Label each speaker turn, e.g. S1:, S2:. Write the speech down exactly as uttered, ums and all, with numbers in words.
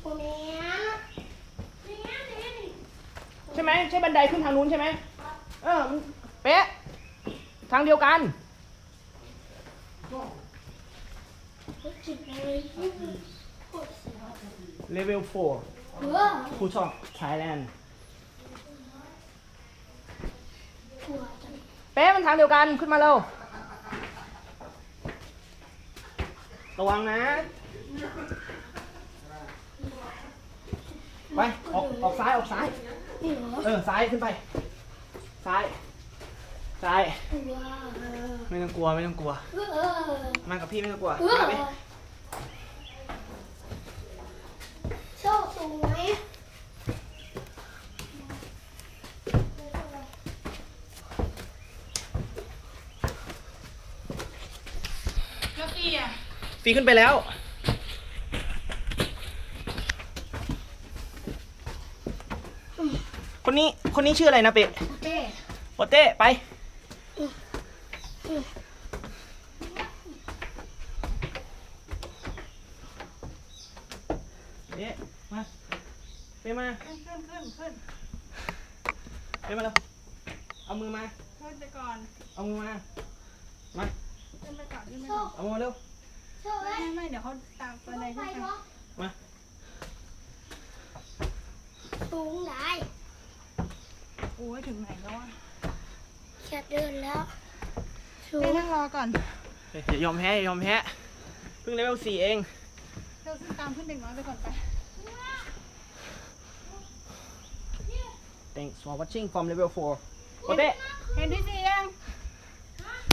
S1: ใช่ไหมใช่บันไดขึ้นทางนู้นใช่ไหมเออมันเป๊ะทางเดียวกันเลเวลโฟร์ผู้ชอบไทยแลนด์เป๊ะมันทางเดียวกันขึ้นมาเร็วระวังนะไปออกออกซ้ายออกซ้ายเออซ้ายขึ้นไปซ้ายซ้ายไม่ต้องกลัวไม่ต้องกลัวมากับพี่ไม่ต้องกลัวมาไป
S2: โชคสูงไหม
S3: แล้วพี่อ่ะ
S1: ฟีขึ้นไปแล้วคนนี้คนนี้ชื่ออะไรนะเป๊ะ
S2: โอเต้
S1: โอเต้ไปเป๊ะมาเป๊ะมา
S3: ขึ้นขึ้นขึ้นขึ้น
S1: เป๊ะมาแล้วเอามือมา
S3: ขึ้นไปก่อน
S1: เอามือมามา
S3: ขึ้นไปก่อนขึ้นไปก่อน
S1: เอามือมาเร็ว
S3: ไม่ไม่เดี๋ยวเขาตามไปเลยขึ้นไป
S1: มา
S2: สูงไหน
S3: โอ้ยถึงไหนแล้วอ่ะ
S2: แค่เดินแล้วสู
S3: เต้
S2: ง
S3: นั่งรอก่อน
S1: อย่ายอมแพ้อย่ายอมแพ้เพิ่งเลเวลสี่เอง
S3: เราตามขึ้นเด็กน้อยไปก่อนไป
S1: Thanks for watching from level four โอเต้
S3: เห็นที่สิ